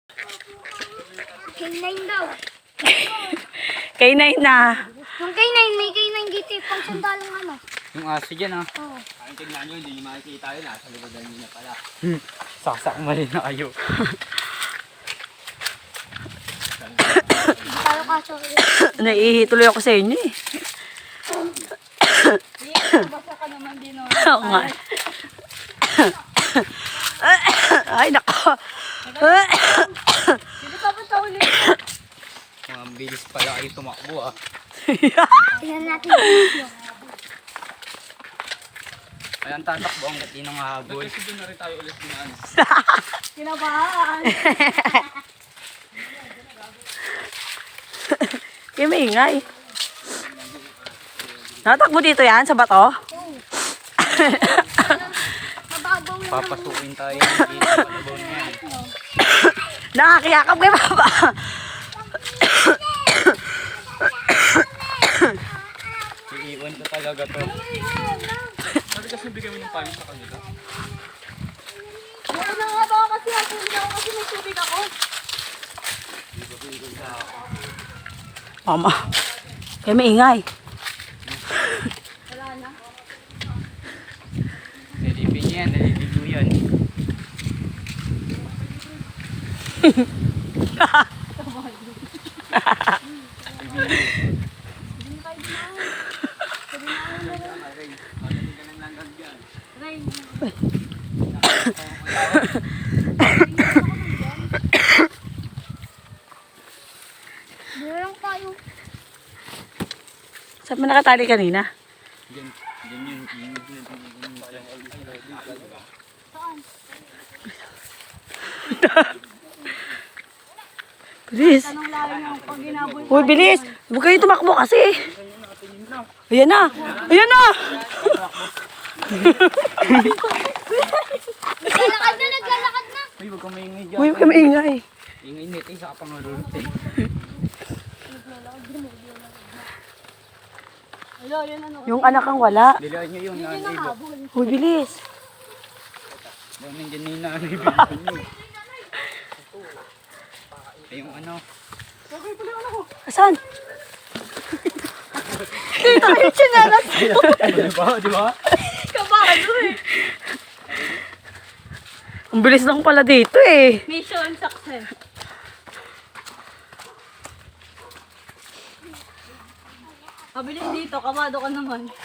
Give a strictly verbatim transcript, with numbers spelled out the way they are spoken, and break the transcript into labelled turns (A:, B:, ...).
A: K nine daw.
B: K nine na.
A: Yung K nine, may K nine dito eh. Pang sandalang ano.
C: Yung aso dyan ah.
A: Oo.
C: Ay, tignan nyo, hindi nyo makikita yun ah. Sa libadan nyo na pala. Hmm. Saksak mali na kayo.
A: Hindi tayo kaso.
B: Naiihituloy ako sa inyo eh.
A: Basta ka naman din o.
B: Oo nga. Ay, nako.
A: Hindi ka ba sa uli?
C: Mga bilis pala kayo tumakbo ah.
A: Tingnan natin yung video.
C: Ay, ang tatakbo ang gati ng habol. Kasi doon na rin tayo ulit dinaan.
A: Kinabahan.
B: Kaya maingay. Natakbo dito yan sa bato?
A: Mababaw lang.
C: Papasukin tayo. Hindi na palabaw na yan.
B: Nakakiyakap kay Papa.
C: Iiwan ko talaga to. Sabi kasi bigyan mo ng payo sa kanila.
A: Ano nga ba kasi ako? Hindi ako kasi may tubig ako.
B: Mama. Kaya maingay.
A: Wala na.
C: Nalipin niya yan, naliligo yan.
A: Hindi lang tayo.
B: Saan mo nakatali kanina?
C: Diyan, diyan yun.
A: Saan?
B: Bilis.
A: Anong lalim yung pag ginabol?
B: Uy, bilis. Huwag kayo tumakbo kasi. Ayan na. Ayan na.
A: Naglalakad na, naglalakad na.
C: Uy, wag kang maingay dyan.
B: Uy, huwag kayo maingay.
C: Ingay nito, isa ka pang marunod eh.
A: Hello, yun ano.
B: Yung anak ang wala.
C: Dilaan nyo yun, nanay ba?
A: Habol.
B: Uy, bilis.
C: Dahil nandiyan na yung nanay ba nyo. Ay, yung ano.
B: Asan? Dito yung chinalas.
C: Di ba? Di ba?
A: Kabado eh.
B: Ang bilis lang pala dito eh.
A: Mission success. Mabilis dito, kabado ka naman.